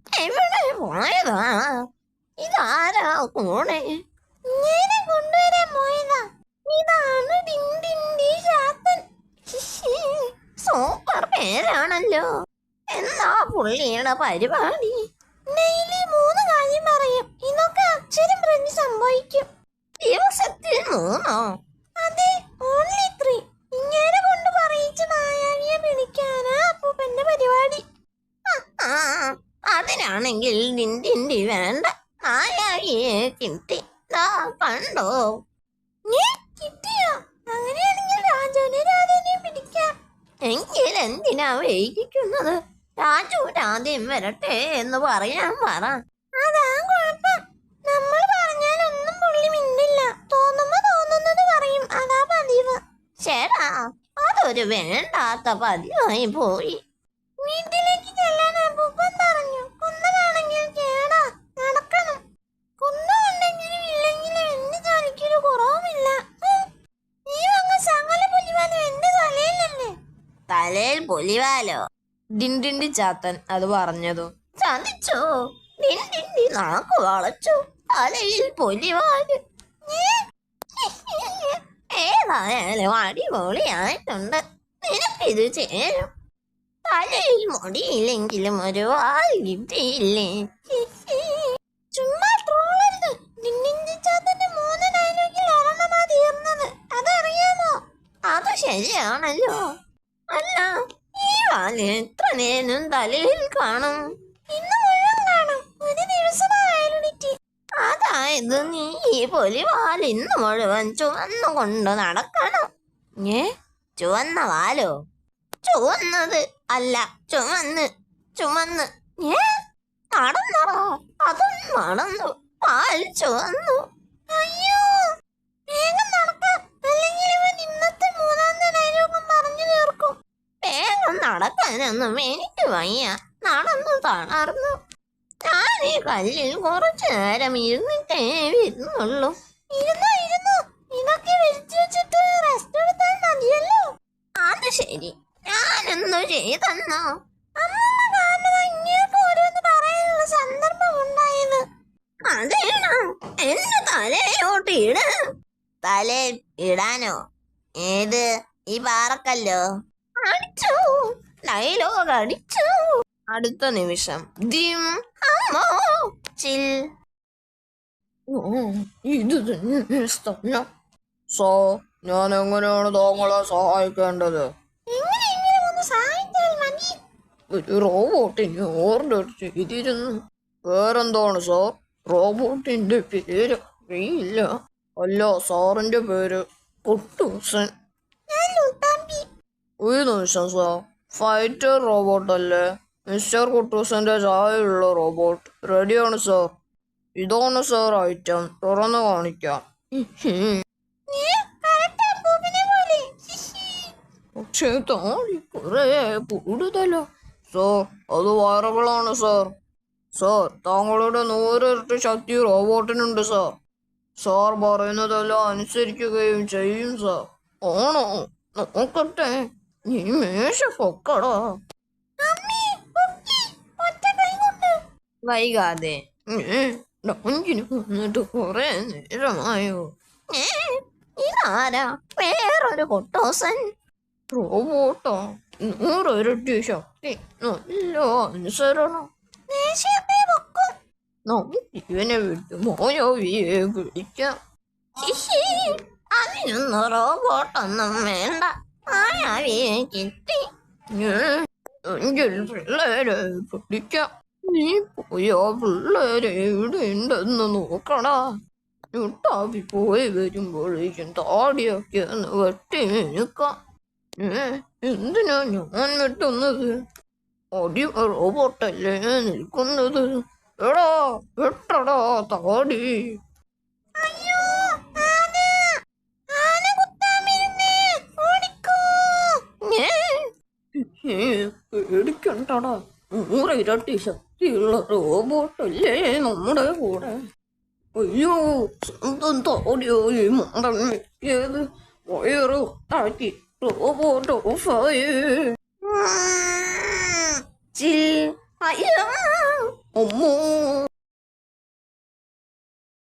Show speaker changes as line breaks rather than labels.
എവിടെ പോയതാ? ഇതാരാ കൂടെ? ഇങ്ങനെ കൊണ്ടുവരാൻ പോയതാ. ഇതാണ് ഡിൻഡിൻഡി ചാത്തൻ. സൂപ്പർ പേരാണല്ലോ. എന്താ പുള്ളിയുടെ പരിപാടി? ഡെയിലി 3 കാര്യം പറയും. ഇതൊക്കെ അക്ഷരം പ്രതി സംഭവിക്കും. ദിവസത്തിൽ 3? അതെ, ഓൺലി 3. ഇങ്ങനെ കൊണ്ട് പറയിച്ച് മായാവിയെ പിടിക്കാനാ അപ്പൂപ്പന്റെ പരിപാടി. അതിനാണെങ്കിൽ ഡിൻഡിൻഡി വേണ്ട. മായാവിയെ കിട്ടി. കണ്ടോ? കിട്ടിയോ? അങ്ങനെയാണെങ്കിൽ രാജുവിനെ രാധേനെ പിടിക്കാം. എങ്കിൽ എന്തിനാ വൈകിക്കുന്നത്? രാജു രാധയും വരട്ടെ എന്ന് പറയാൻ പറ. അതാ കുഴപ്പം. നമ്മൾ പറഞ്ഞാലൊന്നും പുള്ളി മിണ്ടില്ല. തോന്നുമ്പോ തോന്നുന്നത് പറയും. അതാ പതിവ്. ചേടാ, അതൊരു വേണ്ടാത്ത പതിവായി പോയി. വീട്ടിലേക്ക് ചെല്ലാൻ അപ്പൂപ്പൻ പറഞ്ഞു. കുന്നമാണെങ്കിൽ കേടാ, നടക്കണം. കുന്നുണ്ടെങ്കിലും ഇല്ലെങ്കിലും എന്റെ ജോലിക്കൊരു കുറവുമില്ല. നീ വന്ന സകല പുലിവാലും എന്റെ തലയിലല്ലേ? തലയിൽ പുലിവാലോ?
ഡിൻഡിൻഡി ചാത്തൻ അത് പറഞ്ഞതു.
ചതിച്ചോ? ഡിൻഡിൻഡി നാക്ക് വളച്ചു. തലയിൽ പുലിവാല്. ഏതായാലും അടിപൊളിയായിട്ടുണ്ട്. നിനക്കിത് ചേരും. തലയിൽ മുടിയില്ലെങ്കിലും ഒരു വാൽ കിട്ടിയില്ലേ? ചുമ്മാ ട്രോളരുത്. ഡിൻഡിൻഡി ചാത്തന്റെ 3 ഡയലോഗിൽ ഒരെണ്ണമാ തീർന്നത്. അതറിയാമോ? അത് ശരിയാണല്ലോ. അല്ല, ഈ വാല് എത്ര നേരം തലയിൽ കാണും? ഇന്ന് മുഴുവൻ കാണും. ഒരു ദിവസമായാലുണിറ്റി. അതായത് നീ ഈ പൊലിവാൽ ഇന്ന് മുഴുവൻ ചുവന്നുകൊണ്ട് നടക്കണം. ചുവന്ന വാലോ? ചുവന്നത് അല്ല, ചുമന്ന്. നടന്നോ? അതും നടന്നു. പാൽ ചുവന്നു. അയ്യോ, വേഗം നടക്കാം. അല്ലെങ്കിൽ ഇവൻ ഇന്നത്തെ 3ാമത്തെ ഡയലോഗും പറഞ്ഞു തീർക്കും. വേഗം നടക്കാനൊന്നും എനിക്ക് വയ്യ. നടന്നു തളർന്നു. ഞാൻ ഈ കല്ലിൽ കുറച്ചു നേരം ഇരുന്നിട്ടേ വരുന്നുള്ളൂ. ഇരുന്നു. ഇതൊക്കെ വിരിച്ചു വെച്ചിട്ട് റെസ്റ്റ് എടുത്താൽ മതിയല്ലോ. അത് ശരി, ഞാനൊന്നു ചെയ്തെന്നോ? അമ്മ കാരണം ഇങ്ങനെയൊക്കെ ഓരോന്ന് പറയാനുള്ള സന്ദർഭം ഉണ്ടായത്. അതേണോ? എന്റെ തലയോട്ട് ഇട. തലയിൽ ഇടാനോ? ഏത്? ഈ പാറക്കല്ലോ? അടിച്ചു. ഡയലോഗ് അടിച്ചു.
അടുത്ത നിമിഷം ദിം.
അമ്മോ, ചിൽ.
ഇത് തന്നെ സ്ഥലം. സോ, ഞാൻ എങ്ങനെയാണ് താങ്കളെ സഹായിക്കേണ്ടത്?
എങ്ങനെയെങ്കിലും ഒന്ന് സഹായിച്ചാൽ മതി.
ഒരു റോബോട്ടിന് ഓർഡർ ചെയ്തിരുന്നു. പേരെന്താണ് സാർ? റോബോട്ടിന്റെ പേര് അറിയില്ല. അല്ല, സാറിന്റെ പേര് കുട്ടൂസൻ. ഒരു നിമിഷം സാർ, ഫൈറ്റർ റോബോട്ട് അല്ലേ? മിസ്റ്റർ കുട്ടൂസന്റെ ചായയുള്ള റോബോട്ട് റെഡിയാണ് സാർ. ഇതാണ് സാർ ഐറ്റം. തുറന്നു കാണിക്കാം. പക്ഷേ താഴെ കുറെ കൂടുതലോ? സാർ, അത് വയറുകളാണ് സാർ. സാർ, താങ്കളുടെ 100 ഇരട്ടി ശക്തി റോബോട്ടിനുണ്ട് സാർ. സാർ പറയുന്നതെല്ലാം അനുസരിക്കുകയും ചെയ്യും സാർ. ആണോ? നോക്കട്ടെ. നീ മേശ പൊക്കടാ.
വൈകാതെ.
ഡോഞ്ചിന് വന്നിട്ട് കുറെ നേരമായോ?
ഇതാരാ? വേറൊരു കുട്ടൂസൻ.
റോബോട്ടോ? 100 ഇരട്ടി ശക്തി, നല്ല അനുസരണം. നമുക്ക് ഇവനെ വിട്ട് മായാവിയെ വിളിക്കാം.
അതിനൊന്നും റോബോട്ടൊന്നും വേണ്ട. മായാവിയെ കിട്ടി.
എങ്കിൽ പിള്ളേരെ പിടിക്കാം. നീ പോയാ പിള്ളേരെ ഇവിടെ ഉണ്ടെന്ന് നോക്കടാ. ുട്ടാപ്പി പോയി വരുമ്പോഴേക്കും താടിയൊക്കെ ഒന്ന് വെട്ടി മിനുക്കാം. എന്തിനാ ഞാൻ വെട്ടുന്നത്? അടി റോബോട്ടല്ലേ നിൽക്കുന്നത്. എടാ, വെട്ടടാ താടി. പേടിക്കണ്ടടാ. 100 ഇരട്ടി ശക്തിയുള്ള റോബോട്ടല്ലേ നമ്മുടെ കൂടെ. അയ്യോ, സ്വന്തം താടിയോയി മണ്ടൻ വെക്കിയത്. വയറ് താക്കി റോബോട്ട് ഓഫായേ.
ചിൽ. അയ്യോ,
അമ്മോ